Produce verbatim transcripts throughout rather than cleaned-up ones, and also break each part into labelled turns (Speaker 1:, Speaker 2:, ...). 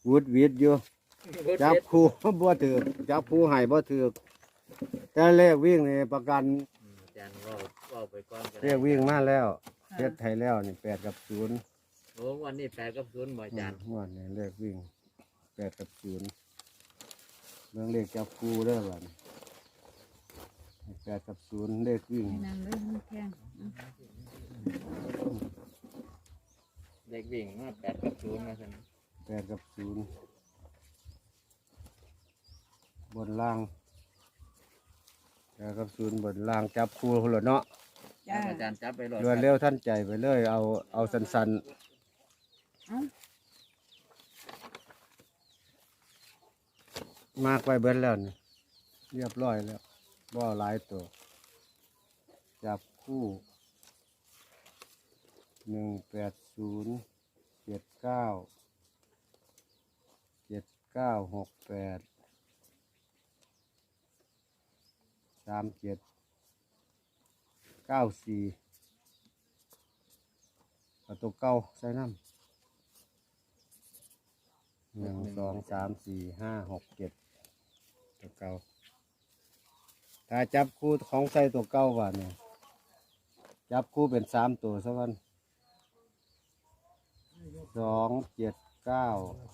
Speaker 1: วุดวิดอยู่จับคู่บ่ถือจับคู่ให้บ่ถือแต่เลขวิ่งนี่ประกัน
Speaker 2: อาจารย์ว่าว่าไปก่อนก็
Speaker 1: เล
Speaker 2: ได้
Speaker 1: ขวิ่งมาแล้วเฮ็ดให้แล้วนี่แปดกับศูนย์
Speaker 2: โอ้วันนี้แปดกับศูนย์บ่อาจารย์
Speaker 1: งวดนี้เลขวิ่งแปดกับศูนย์เรื่องเลขจับคู่เด้อล่ะนี่แปดกับศูนย์เลขวิ่ง
Speaker 3: ให้นั่งเลยมันแข็ง
Speaker 2: เด็กวิ่งมาแปดกับศูนย์มาสิ
Speaker 1: แปดกับศูนย์บนล่างแปดกับศูนย์บนล่างจับคู่คนละเนาะ
Speaker 3: จ้า
Speaker 2: อาจารย์จับไปเลย
Speaker 1: รวดเร็วท่านใจไปเลย เอาเอาสัน
Speaker 3: เอ้า
Speaker 1: ๆมากไปเบิ้แล้วนี่เรียบร้อยแล้วบ่หลายตัวจับคู่หนึ่งแปดศูนย์เจ็ดเก้าเจ็ดเก้าหกแปดสามเจ็ดเก้าสี่ประตูเก้าใส่น้ำหนึ่งสองสามสี่ห้าหกเจ็ดตัวเก้าถ้าจับคู่ของใส่ตัวเก้าว่าเนี่ยจับคู่เป็นสามตัวสักวันสองเจ็ดเก้า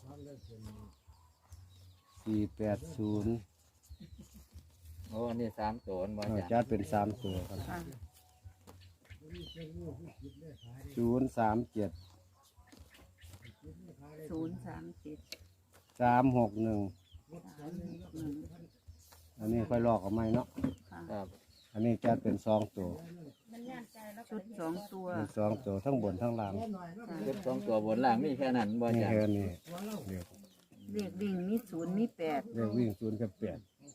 Speaker 1: สี่แปดศูนย์
Speaker 2: โอ้อันนี้สามตัวบ่อา
Speaker 1: เอา
Speaker 2: จารย์
Speaker 1: จัดเป็นสามตัวครับ
Speaker 3: ค่ะ
Speaker 1: ศูนย์สามเจ็ด
Speaker 3: ศูนย์สามเจ็ด
Speaker 1: สามหกหนึ่ง
Speaker 3: สามหนึ่ง
Speaker 1: อันนี้ค่อยลอกเอาไหมเนาะ
Speaker 3: ค่ะ
Speaker 2: ครับ
Speaker 1: อันนี้จัดเป็นสองตัว
Speaker 3: ชุดสองตัว
Speaker 1: เป็นสองตัวทั้งบนทั้งล่าง
Speaker 2: ชุดสองตัวบนล่างมีแค่นั้นบ่อา
Speaker 1: นี่
Speaker 2: จารย์
Speaker 1: แค่นี้เดี๋ยว
Speaker 3: เลขดิ่งมีศูนย์มีแปด
Speaker 1: เรียกวิ่งศูนย์กับแปด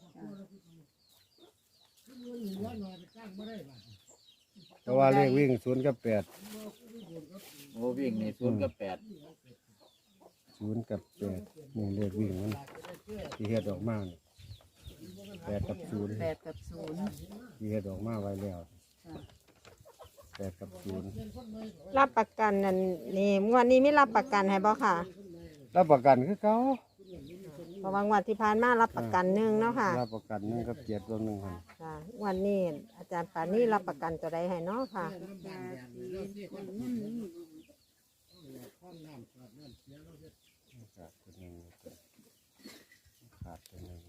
Speaker 1: เพราะว่าเลขวิ่งศูนย์กับแปด
Speaker 2: โอ้วิ่งนี่ศูนย์กับแปด
Speaker 1: ศูนย์กับแปดนี่เลขวิ่งมันที่เฮ็ดออกมานี่แปดกับศูนย์
Speaker 3: แปดกับศูนย์
Speaker 1: ที่เฮ็ดออกมาไว้แล้ว
Speaker 3: ค่ะ
Speaker 1: แปดกับศูนย์
Speaker 4: รับประกันนั่นนี่งวดนี้ไม่รับประกันให้บ่ค่ะ
Speaker 1: รับประกันคือเขา
Speaker 4: เพราะว่างวดที่ผ่านมารับประกันหนึ่งเนาะค่ะ
Speaker 1: รับประกันหนึ่งกับเจ็ดตัวหนึ่งครับ
Speaker 4: ค่ะงวันนี้อาจารย์ปานี่รับประกันตัวใดให้เนาะค่ะ
Speaker 1: ขาดตัวหนึ่งขาดตัวหนึ่ง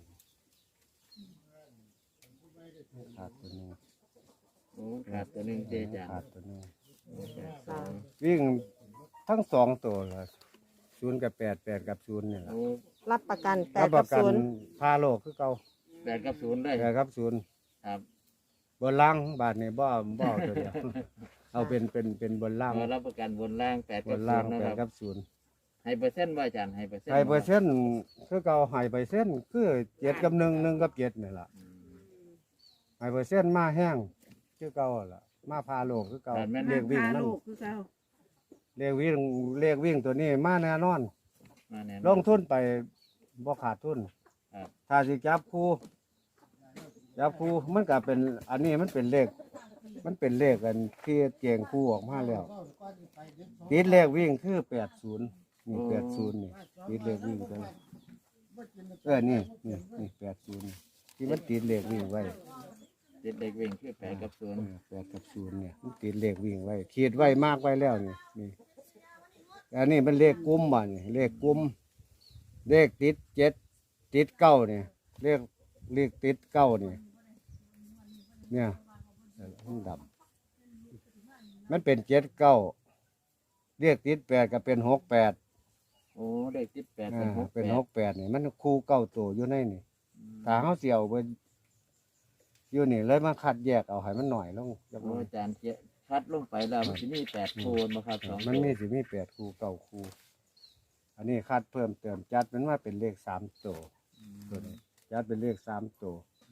Speaker 1: ขาดตัวหนึ่ง
Speaker 2: โอ้ขาดตัวหนึ่งเจอาจารย์
Speaker 1: ขาดตัวหนึ่ง
Speaker 2: โอ้แปดสอง
Speaker 1: วิ่งทั้งสองตัวเลยศูนย์กับแปดแปดกับศูนย์นี่แหละ
Speaker 2: โอ้
Speaker 4: รับประกันแป
Speaker 1: รั
Speaker 4: ด
Speaker 1: บป
Speaker 4: กับ
Speaker 1: ระกัน
Speaker 4: ศูนย์
Speaker 1: พาโลกคือเก่า
Speaker 2: แปดกับศูนย์เลย
Speaker 1: แปดกับศูนย์
Speaker 2: ครับ
Speaker 1: บนล่างบาทนี่บ่บ่เอาตัวเดียว เอาเป็นเป็นเป็นบนล่าง
Speaker 2: เอารับประกันบนล่างแปด
Speaker 1: บ
Speaker 2: กับ
Speaker 1: น
Speaker 2: ศู
Speaker 1: ล่าง
Speaker 2: นย์นะ
Speaker 1: แป
Speaker 2: ค
Speaker 1: ด
Speaker 2: รับ
Speaker 1: กับศูนย์
Speaker 2: ให้เปอร์เซ็นต์บ่อาจารย์ให้เปอร์เซ็นต์
Speaker 1: ไฮเปอร์เซ็นต์คือเก่าไฮเปอร์เซ็นต์คือเจ็ดกับหนึ่งหนึ่งกับเจ็ดนี่แหละ
Speaker 2: อืม
Speaker 1: ไฮเปอร์เซ็นต์มาแห้งคือเก่าล่ะมาพาโลกคือเก่า
Speaker 2: แต่แม่น
Speaker 1: เลขวิ่ง
Speaker 3: พา
Speaker 1: มัน
Speaker 3: ลูกคือเขา
Speaker 1: เลขวิ่งเลขวิ่งตัวนี้มาแน่นอน
Speaker 2: มาแน่นอน
Speaker 1: ลงทุนไปบ่ขาดทุน
Speaker 2: ครับ
Speaker 1: ถ้าสิจับคู่จับคู่มันก็เป็นอันนี้มันเป็นเลข มันเป็นเลขกันที่เจียงคู่ออกมาแล้วติดเลขวิ่งคือแปดศูนย์นี่แปดศูนย์นี่ติดเลขวิ่งตัวนี้เออนี่นี่นี่แปดศูนย์ที่มันติดเลขวิ่งไว้
Speaker 2: ติดเด็กวิ่งคือแปดกับศูนย์
Speaker 1: เออแปดกับศูนย์เนี่ยมันติดเลขวิ่งไว้ขีดไว้มากไว้แล้วนี่นี่อันนี้มันเลขกลุ่มบ่นี่เลขกลุ่มเลขติดเจ็ดติดเก้าเนี่ยเลขเลขติดเก้านี่เนี่ยมันดับมันเป็นเจ็ดเก้าเลขติดแปดก็เป็นหกแปด
Speaker 2: โอ้เด็กติดแปด
Speaker 1: อ่า
Speaker 2: เป็นหก
Speaker 1: เป็น
Speaker 2: แป
Speaker 1: ห
Speaker 2: ด
Speaker 1: กแปดนี่มันคู่เก้าตัวอยู่ในนี่ถ้าเขาเสียวไปอยู่นี่เลยมาคัดแยกเอาให้มันหน่อยลงจักห
Speaker 2: โอ้
Speaker 1: น่อย
Speaker 2: อาจารย์เจ๊คัดลงไปแล้วมันจะมีแปดโคนมาครับสอง
Speaker 1: มัน
Speaker 2: ตัว
Speaker 1: มีสิมีแปดคู่เก้าคู่อันนี้คัดเพิ่มเติมจัดมันว่าเป็นเลขสามตัวตัวนี้จัดเป็นเลขสามตัว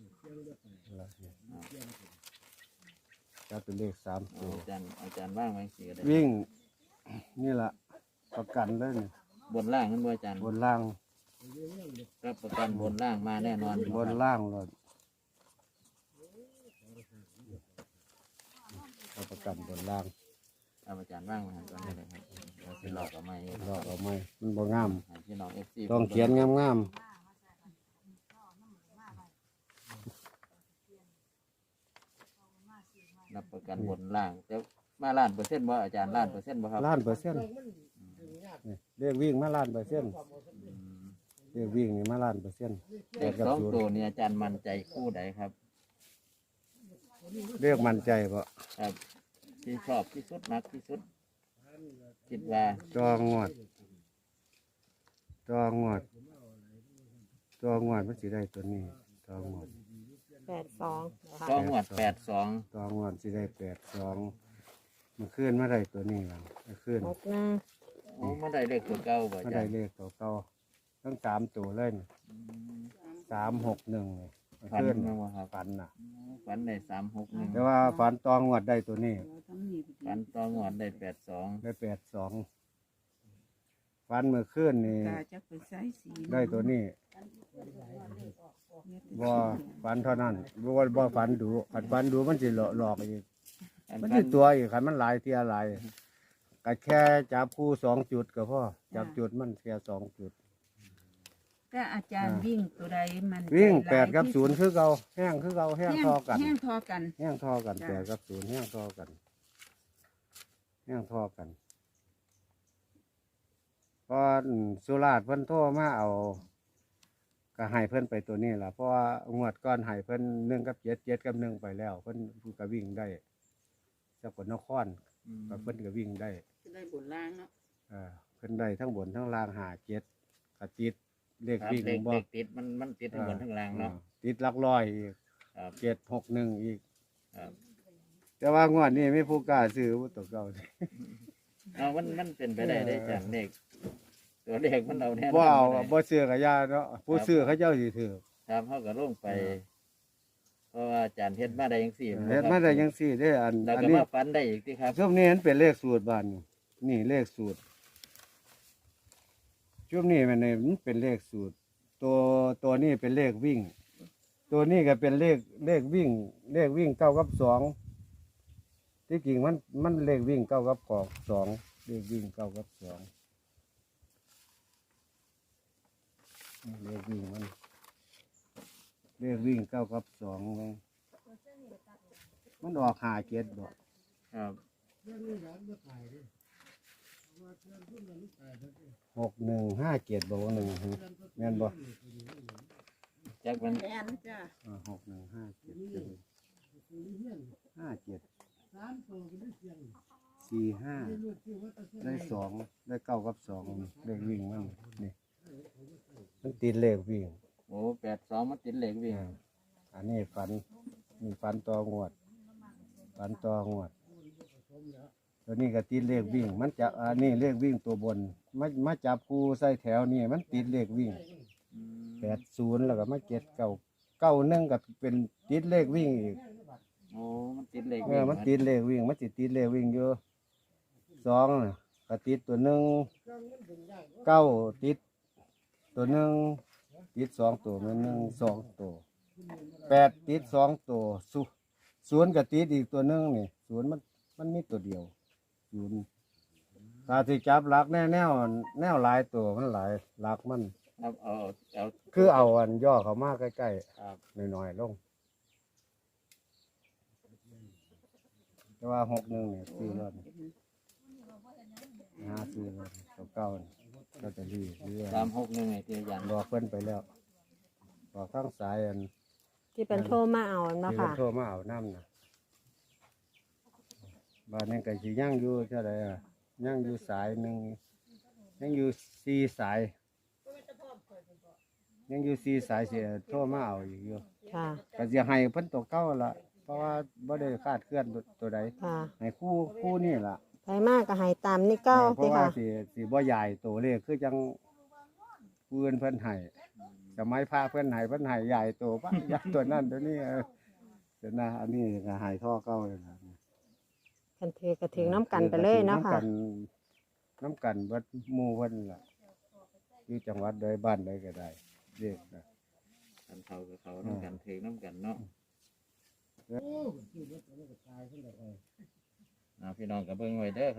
Speaker 1: จัดเป็นเลขสาม
Speaker 2: โอ้
Speaker 1: ตัว
Speaker 2: อาจารย์อาจารย์ว่างไว้สิก็ได้
Speaker 1: วิ่งนี่แหละประกันเลยนี่
Speaker 2: บนล่างนั่นบ่อาจารย์
Speaker 1: บนล่าง
Speaker 2: รับประกันบนล่างมาแน่นอน
Speaker 1: บนล่างเลยเอาประกันบนล่าง
Speaker 2: ครับอาจารย์ว่างไว้ก่อนได้เลยครับเราสิหลอกเอาไหม
Speaker 1: ลอกเอาไหมมันบ่งาม
Speaker 2: ให้พี่น้องเอฟซี
Speaker 1: ต้องเขียนงาม
Speaker 2: รับประกันบนล่างแต่มาล้านเปอร์เซ็นต์บ่อาจารย์ล้านเปอร์เซ็นต์บ่ครับ
Speaker 1: ๆล้านเปอร์เซ็นต์นี่เลขวิ่งมาล้านเปอร์เซ็นต์
Speaker 2: อืม
Speaker 1: เลขวิ่งนี่มาล้านเปอร์เซ็นต์
Speaker 2: เลขสองตัวนี่อาจารย์มั่นใจคู่ใดครับ
Speaker 1: เลขมั่นใจบ่
Speaker 2: ครับ ที่ชอบที่สุดมักที่สุด คิดว่า
Speaker 1: จองวดจองวดจองวดมันสิได้ตัวนี้จองวด
Speaker 4: แปดสองนะคะ
Speaker 2: ก็หวดแปดสอง
Speaker 1: จองวดสิได้แปดสองมันขึ้นมาได้ตัวนี้แล้วมันขึ้น
Speaker 4: หกหนึ่ง
Speaker 2: โอ้มาได้เลขตัวเก่าบ่
Speaker 1: มา
Speaker 2: อาจา
Speaker 1: ได้
Speaker 2: รย์
Speaker 1: เลขตัวเก่าทั้งสามตัวเลยนี่
Speaker 2: อืม
Speaker 1: สามหกหนึ่งนี่มัน
Speaker 2: ฝัน
Speaker 1: ขึ้น
Speaker 2: มาบ่ครับ
Speaker 1: ฝันน่ะ
Speaker 2: ฝันได้สามหกหนึ่ง
Speaker 1: แต่ว่าฝันตองวดได้ตัวนี้
Speaker 3: เราทั้งนี้
Speaker 2: ฝันต่องวดได้แปดสอง
Speaker 1: ได้แปดสองฝันเมื่อคืนนี่
Speaker 3: ตาจะไปใส่สี
Speaker 1: ได้ตัวนี้บ่ฝันเท่านั้นบ่ว่าบ่ฝันดูขันฝันดูมันสิหลอกหลอกอีก
Speaker 2: อัน
Speaker 1: มัน
Speaker 2: ฝั
Speaker 1: สิ
Speaker 2: น
Speaker 1: ตัวอีกขันมันหลายเทียหลายก็แค่จับคู่สองจุดก็พอจับจุดมันแค่สองจุด
Speaker 3: แต่อาจารย์วิ่งตัวใดมัน
Speaker 1: วิ่ง
Speaker 3: ใจ
Speaker 1: แป
Speaker 3: ร้า
Speaker 1: ดกับศูนย์คือเก่าแห้งคือเก่าแห้ง
Speaker 3: แห้ง
Speaker 1: ทอกัน
Speaker 3: แห้งทอกัน
Speaker 1: แห้งทอกัน
Speaker 3: จ้ะ
Speaker 1: แปดกับศูนย์แห้งทอกันแห้งทอกันพอสุราษฎร์เพิ่นโทรมาเอาก็ให้เพิ่นไปตัวนี้ล่ะเพราะว่างวดก้อนให้เพิ่นหนึ่งกับเจ็ดเจ็ดกับหนึ่งไปแล้ว เพิ่นก็วิ่งได้สกลนคร
Speaker 2: อืม
Speaker 1: ก็เพิ่นก็วิ่งได้
Speaker 3: จะได้บนล่างเนาะ
Speaker 1: เออเพิ่นได้ทั้งบนทั้งล่างหาเจ็ดกระติดเลข
Speaker 2: ครับ
Speaker 1: วิ่ง
Speaker 2: เลข
Speaker 1: บ่
Speaker 2: เลขติดมันมันติดทั้งบนทั้งล่างเนาะ
Speaker 1: ออติดหลักร้อยอีก
Speaker 2: ครับ
Speaker 1: เจ็ดหกหนึ่งอีก
Speaker 2: ครับ
Speaker 1: แต่ว่างวดนี้ไม่ผู้กล้าซื้อตัวเก่า
Speaker 2: เอามันมันเป็นไปได้ได้จากเลขตัวเลขมันเอาแน่น
Speaker 1: บ่
Speaker 2: อน
Speaker 1: เอา
Speaker 2: บ่ได้
Speaker 1: บ่ซื้อกะยาเนาะผู้ซื้อเขาเจ้าสิถือ
Speaker 2: ครับเขาก็ลงไป
Speaker 1: เออ
Speaker 2: เพราะว่าอาจารย์เฮ็ดมาได้ยังสี่
Speaker 1: เฮ็ดมาได้จังซี่เด้ออัน
Speaker 2: แล้ว
Speaker 1: อัน
Speaker 2: ก็
Speaker 1: นี้
Speaker 2: มาฝันได้อีกที่ครับ
Speaker 1: ช่วงนี้มันเป็นเลขสูตรบ้านนี่นี่เลขสูตรช่วงนี้มันนี่มันเป็นเลขสูตร ตัวตัวนี้เป็นเลขวิ่ง ตัวนี้ก็เป็นเลขเลขวิ่ง เลขวิ่งเก้ากับสองที่จริงมันมันเลขวิ่งเก้ากับกอกสองเลขวิ่งเก้ากับสองเลขวิ่งมันเลขวิ่งเก้ากับสองเลยมันออกหาเจ็ดบอก
Speaker 2: ครับ
Speaker 1: หกหนึ่งห้าเจ็ดบอกหนึ่งแม่นบอก
Speaker 2: จากมัน
Speaker 3: แม่นจ้ะ
Speaker 1: หกหนึ่งห้าเจ็ดห้าเจ็ดสี่ห้าได้สองได้เก้ากับสองเลขวิ่งมันนี่มันติดเลขวิ่ง
Speaker 2: โอ้แปดสองมันติดเลขวิ่ง
Speaker 1: อ่าอันนี้ฝันมีฝันต่องวดฝันต่องวดตัวนี้ก็ติดเลขวิ่ง มันจะอันนี้เลขวิ่งตัวบนมามาจับคู่ใส่แถวนี่มันติดเลขวิ่ง
Speaker 2: อืม
Speaker 1: แปดศูนย์แล้วก็มาเจ็ดเก้าเก้าหนึ่งก็เป็นติดเลขวิ่งอีก
Speaker 2: โอ้มันติดเลข
Speaker 1: เอ
Speaker 2: วิ่
Speaker 1: อง มันติดเลขวิ่งมันติดติดเลขวิ่งอยู่สองน่ะก็ติดตัวหนึ่งเก้าติดตัวหนึ่งติดสองตัวมันหนึ่งสองตัวแปดติดสองตัวศูศูนย์ก็ติดอีกตัวหนึ่งนี่ศูนย์มันมันมีตัวเดียวศูนย์ตาที่จับหลักแน่แนวแนวหลายตัวมันหลายหลักมัน
Speaker 2: ครับเอาเอา
Speaker 1: คือเอาอันย่อเขามาใกล้
Speaker 2: ครับ
Speaker 1: ๆหน่อยๆลงแต่ว่าหกหนึ่งเนี่ยซื้อรถหาซื้อรถเก่าๆก็จะรีเรื่อย
Speaker 2: สามหกหนึ่งไอ้ที่อาจารย์
Speaker 1: บอกเพิ่นไปแล้วบอกข้างสายอัน
Speaker 4: ที่เป็นโทรมาเอาเนาะ
Speaker 1: ที่
Speaker 4: ค่ะ
Speaker 1: เพิ่นโทรมาเอาน้ำนะบ้านนี้ก็สิย่างอยู่เท่าไหร่อ่ะย่างอยู่สายหนึ่งย่างอยู่สี่สายย่างอยู่สี่สายเสียโทรมาเอาอีกอยู่
Speaker 4: ค่ะ
Speaker 1: ก็จะให้เพิ่นตัวเก่าละเพราะว่าบ่ได้คาดเคลื่อนตัวตัวใด
Speaker 4: ค่ะ
Speaker 1: ให้คู่คู่นี่ล่ะ
Speaker 4: ไปมากก็ให้ตามนี่เก้า
Speaker 1: เพ
Speaker 4: สิ
Speaker 1: ราะว่า
Speaker 4: ค่ะ
Speaker 1: สิสิบ่ใหญ่ตัวเลขคือจังผู้อื่นเพิ่นให้สมัยพระเพิ่นให้เพิ่นให้ใหญ่ตัวปะ ใหญ่ตัวนั้นตัวนี้เออแต่นะอันนี้ก็ให้ท่อเก่าเลยนะ
Speaker 4: กันถือกระถึงน้ำกันไปเลยเนาะ
Speaker 1: น้ำ
Speaker 4: ค่ะ
Speaker 1: กันน้ำกันเบิดหมู่เพิ่นล่ะอยู่จังหวัดใดบ้านใดก็ได้เด็กนะ
Speaker 2: กันเขากับเขาน้ำกันเทน้ำกันเนาะอ่าพี่น้องกับเบิ้งไว้เด้อครับ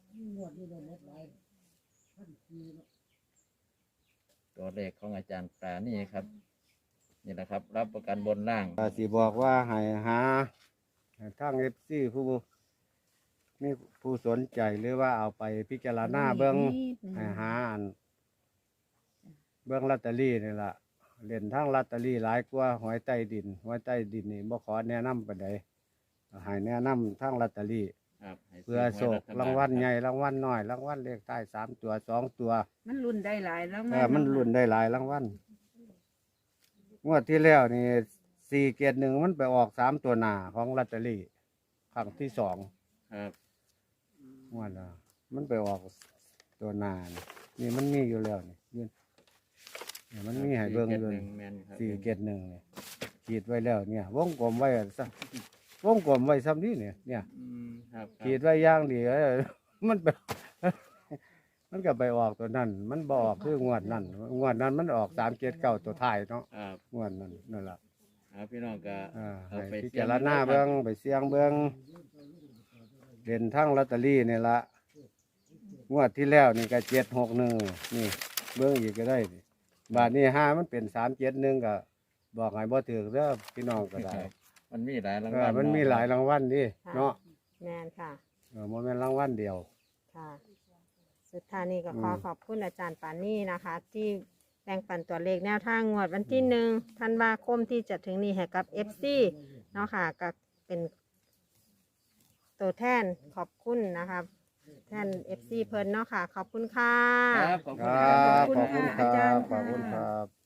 Speaker 2: ตัวเลขของอาจารย์ปรานี่ครับนี่แหละครับ รับประกันบนล่าง
Speaker 1: ก็สิบอกว่าให้หาทางเอฟซีผู้มีผู้สนใจหรือว่าเอาไปพิจารณาเบิ้ง
Speaker 3: นิดหนึ่ง
Speaker 1: ให้หาอันเบิ้งลอตเตอรี่นี่ล่ะเล่นทางลอตเตอรี่หลายกว่าหวยใต้ดินหวยใต้ดินนี่บ่ขอแนะนำปานใดให้แนะนำทางลอตเตอรี่
Speaker 2: ครับให้
Speaker 1: เพื่อโชครางวัลใหญ่รางวัลน้อยรางวัลเลขท้ายสามตัวสองตัว
Speaker 3: มันรุ่นได้หลายแล้ว
Speaker 1: เออมันลุ้นได้หลายรางวัลงวดที่แล้วนี่สี่เกียรหนึ่งมันไปออกสามตัวหน้าของลอตเตอรี่ครั้งที่สอง
Speaker 2: ครับ
Speaker 1: งวดละมันไปออกตัวหน้านี่นี่มันมีอยู่แล้วนี่ยืนเนี่ยมันมีให้เบิ่ง
Speaker 2: สี่
Speaker 1: เล
Speaker 2: จ็ด
Speaker 1: ย
Speaker 2: หนึ่งแม่นครับ
Speaker 1: สี่เกียรหนึ่งเนี่ยขีดไว้แล้วเนี่ยวงกลมไว้ซะวงกลมไว้ซ้ำนี้เนี่ยเนี่ย
Speaker 2: อืมครับครับ
Speaker 1: ขีดไว้อย่างดีเออมันไป มันก็ไปออกตัวนั้น มันบออกคืองวดนั้นงวดนั้นมันออกสามเจ็ดเก้าตัวท้ายเนาะ
Speaker 2: ครับ
Speaker 1: งวดนั้นนั่นแหละ
Speaker 2: เอาพี่น้องก็
Speaker 1: อ่า
Speaker 2: เอา
Speaker 1: ให้
Speaker 2: ไป
Speaker 1: พิ
Speaker 2: เสี่ย
Speaker 1: จาง รณาเบิ้งไปเสี่ยงเบิ้งเด่นทั้งลอตเตอรี่นี่ละงวดที่แล้วนี่ก็เจ็ดหกหนึ่งนี่เบิ้งอีกก็ได้นี่บาทนี้ห้ามันเป็นสามเจ็ดหนึ่งก็บอกให้บ่ถือเด้อพี่น้องก็ได้
Speaker 2: มันมีหลายราง
Speaker 1: เอ
Speaker 2: วั
Speaker 1: อ
Speaker 2: ล
Speaker 1: มันมีหลายรางวัลดิ
Speaker 4: ค่ะ
Speaker 1: เนาะ
Speaker 4: แมนค่ะ
Speaker 1: เออมันเป็นรางวัลเดียว
Speaker 4: ค่ะ สุดท้ายนี้ก็ขอ
Speaker 1: อืม
Speaker 4: ขอบคุณอาจารย์ปานี่นะคะ ที่แบ่งปันตัวเลขแนวทางงวดวันที่หนึ่งธันวาคมที่จะถึงนี้ให้กับ เอฟ ซี เนาะค่ะก็เป็นตัวแทนขอบคุณนะคะแทน เอฟ ซี เพิ่นเนาะค่ะ ขอบคุณค่ะ
Speaker 2: ครับขอบ
Speaker 1: ค
Speaker 2: คุณ
Speaker 1: รั
Speaker 2: ครับ
Speaker 1: บขอบคุณครับขอบคุณครับ